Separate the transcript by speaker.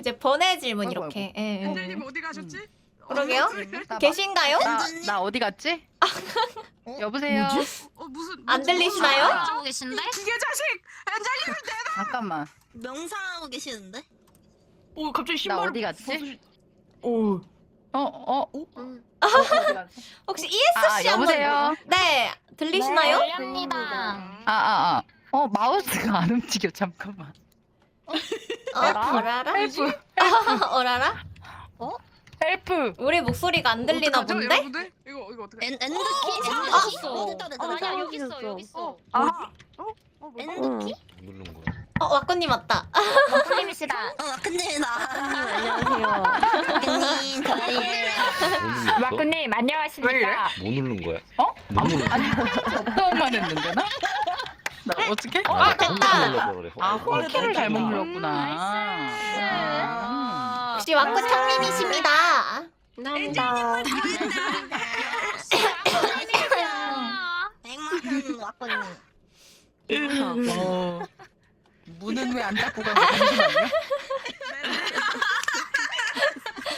Speaker 1: 이제 번외 질문
Speaker 2: 아이고,
Speaker 1: 이렇게. 예, 예.
Speaker 3: 엔젤님 어디 가셨지?
Speaker 1: 그러게요. 계신가요?
Speaker 2: 나 어디 갔지? 여보세요.
Speaker 3: 무슨
Speaker 1: 안 들리시나요?
Speaker 4: 하고 계신데?
Speaker 3: 기계 자식! 엔젤님!
Speaker 2: 잠깐만.
Speaker 4: 명상하고 계시는데?
Speaker 3: 오 갑자기
Speaker 2: 나
Speaker 3: 신발
Speaker 2: 어디 갔지?
Speaker 3: 오
Speaker 2: 어디 갔지?
Speaker 1: 혹시 ESC
Speaker 2: 여보세요.
Speaker 1: 네, 들리시나요?
Speaker 4: 들립니다.
Speaker 2: 마우스가 안 움직여. 잠깐만.
Speaker 1: 어라라?
Speaker 2: 헬프.
Speaker 1: 어라라?
Speaker 2: 헬프.
Speaker 1: 우리 목소리가 안 들리나
Speaker 3: 어떡하죠,
Speaker 1: 본데?
Speaker 3: 여러분들? 이거 어떻게?
Speaker 4: 엔드키?
Speaker 5: 아니야 여기 있어 여기 있어.
Speaker 4: 엔드키?
Speaker 6: 누른 거야.
Speaker 1: 와꾸님 왔다.
Speaker 4: 와꾸님이시다. 근데 나.
Speaker 5: 안녕하세요.
Speaker 4: 와꾸님 저희.
Speaker 6: 와꾸님
Speaker 5: 안녕하십니까.
Speaker 6: 뭐 누른 거야?
Speaker 2: 뭐 누른 거야? 아니 적당만 했는데 나? 나 어떻게?
Speaker 1: 됐다.
Speaker 2: 홀키를 잘못 눌렀구나.
Speaker 1: 혹시 와꾸 청님이십니다.
Speaker 5: 감사합니다.
Speaker 4: 백만큼 와꾸님.
Speaker 2: 문은 왜 안 닫고 가고 잠시만요.